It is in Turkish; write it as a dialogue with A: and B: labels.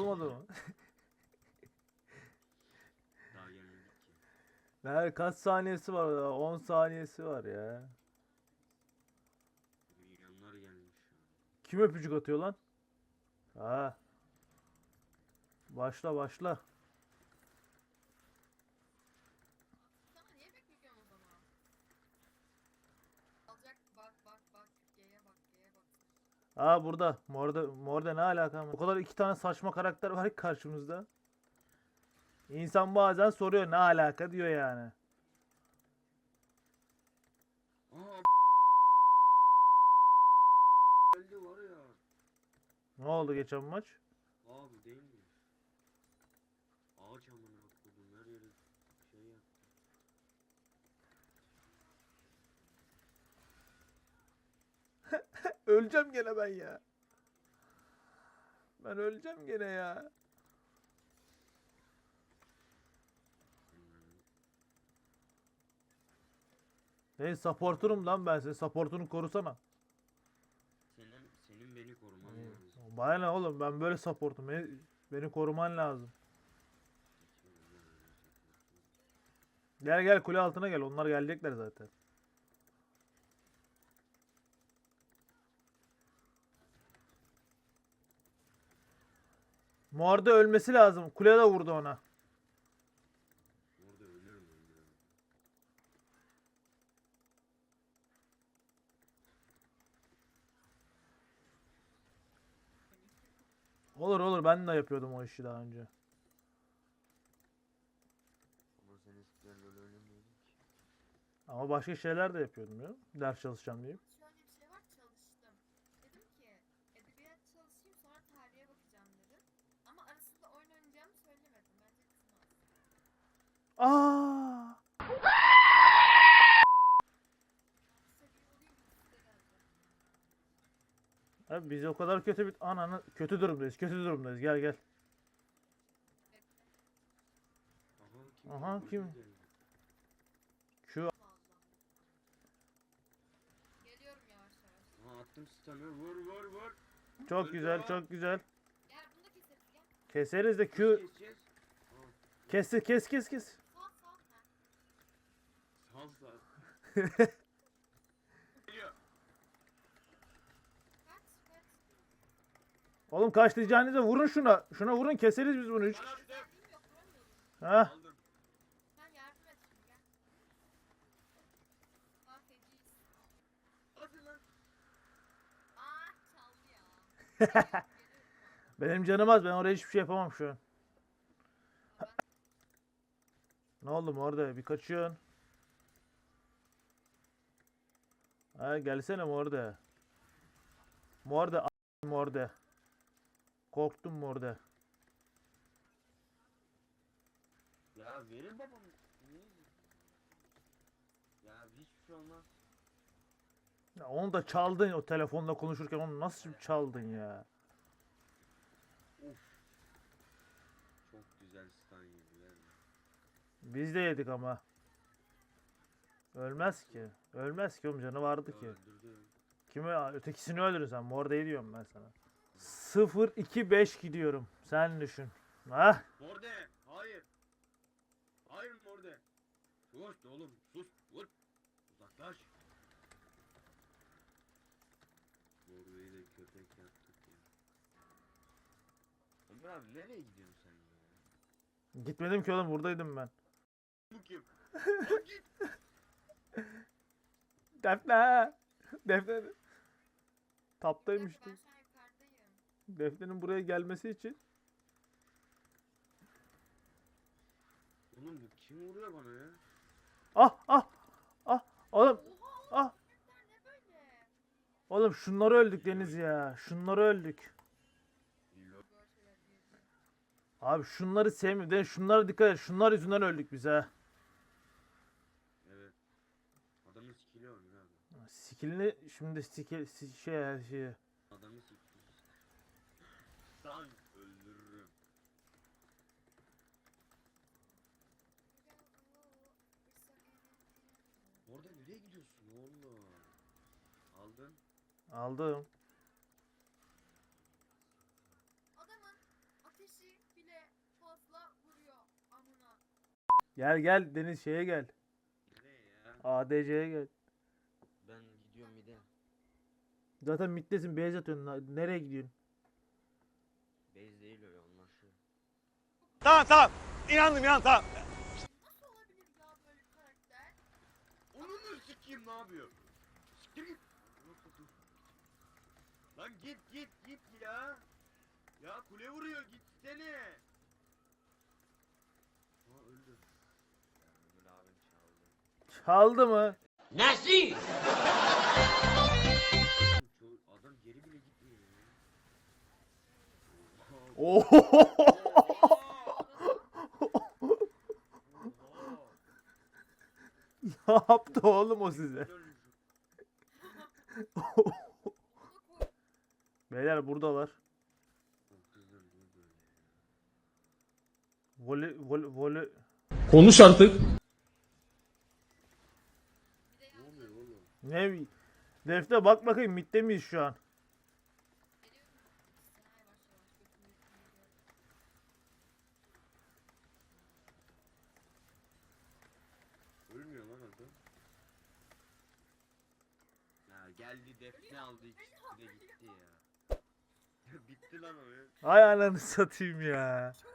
A: olmadı mı?
B: Daha gelmedik ki.
A: Nerede kaç saniyesi var ya? 10 saniyesi var ya.
B: Milyonlar gelmiş şu an.
A: Kim öpücük atıyor lan? Ha, başla başla.
C: Sana niye bekliyorsun o zaman? Alacak bak bak bak. G'ye bak G'ye bak.
A: Ha burada. Morde ne alaka? O kadar iki tane saçma karakter var ki karşımızda. İnsan bazen soruyor ne alaka diyor yani.
B: Aa öldü var ya.
A: Ne oldu geçen maç?
B: Abi değil mi? Ağaç amına koydum her yere şey yaptı.
A: Öleceğim gene ben ya. Ben öleceğim gene ya. Hey supportunum lan ben seni. Supportunu korusana.
B: Senin beni koruman lazım.
A: Bana ne oğlum ben böyle supportum. Beni koruman lazım. Gel gel kule altına gel. Onlar gelecekler zaten. Morde ölmesi lazım. Kule de vurdu ona.
B: Orada ölürüm.
A: Olur olur ben de yapıyordum o işi daha önce.
B: Ama sen eskiden öyle oynamıyordun ki.
A: Ama başka şeyler de yapıyordum ya. Ders çalışacağım diyeyim.
C: Şöyle bir şey var çalıştım. Dedim ki edebiyat çalışayım sonra tarihe bakacağım dedim. Ama arasında oyun oynayacağımı söylemedim. Bence kızmaz.
A: Aa!
C: Seviye olayım ikisi de geldi.
A: Abi biz o kadar kötü bir ananı kötü durumdayız. Kötü durumdayız. Gel gel. Aha,
B: geldi?
A: kim?
B: Geldi.
A: Q
C: Allah Allah. Geliyorum yavaş yavaş.
B: Aha attım stun'ı vur.
A: çok
B: Öldü
A: güzel,
B: ha.
A: çok güzel.
C: Gel bunu da keseriz gel.
A: Keseriz de
B: Nasıl
A: Q
B: keseceğiz? Aa,
A: kes.
C: Sağ sağ. Ha.
B: sal. Geliyor.
C: Kaç.
A: Oğlum kaçlayacağınıza vurun şuna. Şuna vurun keseriz biz bunu. Hiç.
B: Bana attım.
C: Geldiğim yok vuramıyorum.
A: Ha?
B: Aldım.
C: Sen yardım et şimdi gel. Ha feciyiz.
B: Hadi lan.
C: Aa çaldı ya. Geliyorum.
A: Benim canım az. Ben oraya hiçbir şey yapamam şu an. Ne oldu orada? Bir kaçıyorsun. Ha gelsene Morde. Morde. Korktum Morde.
B: Ya verin babam. Niye? Ya hiçbir şey olmaz.
A: Ya onu da çaldın o telefonla konuşurken onu nasıl çaldın ya?
B: Of. Çok güzel stun yediler.
A: Biz de yedik ama. Ölmez ki. Ölmez ki oğlum canı vardı ki.
B: Öldürdü.
A: Kimi ötekisini öldürün sen. Morde'yi diyorum ben sana. 0-2-5 gidiyorum. Sen düşün. Ha?
B: Morde. Hayır. Hayır Morde. Sus oğlum sus. Vur. Uzaklaş. Morde'yi de köpek yaptık ya. Ömer abi nereye gidiyorsun sen ya?
A: Gitmedim ki oğlum buradaydım ben.
B: Bu kim? Lan git.
A: Defne. Defne.
C: Bir
A: Taptaymış.
C: dakika ben şu an yukarıdayım.
A: Defne'nin buraya gelmesi için.
B: Oğlum bu kim vuruyor bana ya?
A: Ah. Oğlum.
C: Oha
A: Ah.
C: köpekler ne böyle?
A: Oğlum şunları öldük Deniz ya. Şunları öldük.
B: Lo-
C: Böyle şeyler diyebilirim.
A: Abi şunları sevmiyorum. Deniz şunlara dikkat et. Şunlar yüzünden öldük biz ha.
B: Evet. Adamın skill'i var Ömer abi.
A: Skillini şimdi şey.
B: Adamı siktir. Sen öldürürüm. Orada nereye gidiyorsun oğlum? Aldın.
A: Aldım.
C: Adamın ateşi
A: Gel gel Deniz şeye gel.
B: Nereye ya?
A: ADC'ye gel.
B: Ben gidiyorum bir de.
A: Zaten middesin beyaz atıyorsun. Nereye gidiyorsun?
B: Base değil öyle onlar şu.
D: Tamam tamam. İnandım ya tamam.
C: Nasıl olabilir ya böyle bir karakter?
B: Onu sikeyim ne yapıyor? Siktir git. Lan git ya. Ya kule vuruyor gitsene. Ha öldü. Öldü abim çaldı.
A: Çaldı mı?
B: Adam geri bile gitmiyor ya.
A: Oho. Ne yaptı oğlum o size? Beyler buradalar. Vole.
E: Konuş artık.
C: Bir de
B: Ne
C: yalnız
B: oluyor oğlum?
A: Ne? Defte bak bakayım midde miyiz şu an?
C: geliyorum. Sana yavaş yavaş götümü geliyorum.
B: Ölmüyor lan adam. Ya geldi defne aldı ikisi de gitti ya. Bitti lan o ya.
A: Ay ananı satayım ya.
C: Çok